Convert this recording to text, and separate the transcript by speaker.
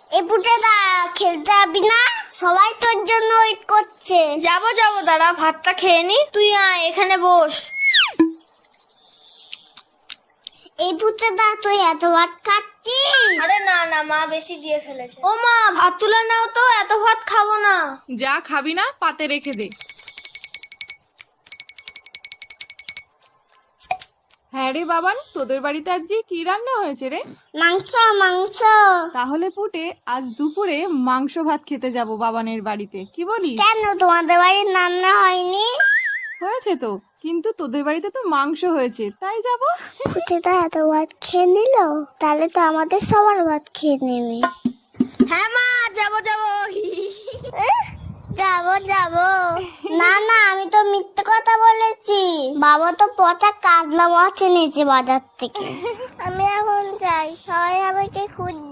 Speaker 1: এ পুটেদা খেলতে যাবি না? সবাই তোর জন্য ওয়েট করছে।
Speaker 2: যাবো দাঁড়া, ভাতটা খেয়ে নি। তুই আয়, এখানে বস।
Speaker 1: এই পুটেদা তুই এত ভাত খাচ্ছিস?
Speaker 2: আরে না মা বেশি দিয়ে ফেলেছে। ও মা, ভাত তুলে নাও তো, এত ভাত খাবো না।
Speaker 3: যা খাবি না পাতে রেখে দে। হ্যাঁ রে বাবান, তোদের বাড়িতে আজকে কি রান্না হয়েছে রে?
Speaker 1: মাংস মাংস।
Speaker 3: তাহলে পুটে আজ দুপুরে মাংস ভাত খেতে যাব বাবানের বাড়িতে, কি বলিস?
Speaker 1: কেন তোমাদের বাড়ির রান্না হয়নি?
Speaker 3: হয়েছে তো, কিন্তু তোদের বাড়িতে তো মাংস হয়েছে, তাই যাব।
Speaker 1: পুটেদা এত ভাত খেয়ে নিল, তাহলে তো আমাদের সবার ভাত খেয়ে নেবে।
Speaker 2: হ্যাঁ মা, যাবো
Speaker 1: যাবো। না আমি তো মিথ্যে কথা বলেছি। বাবা তো পচা কাতলা মাছ এনেছে বাজার থেকে। আমি এখন যাই, সবাই আমাকে খুঁজছে।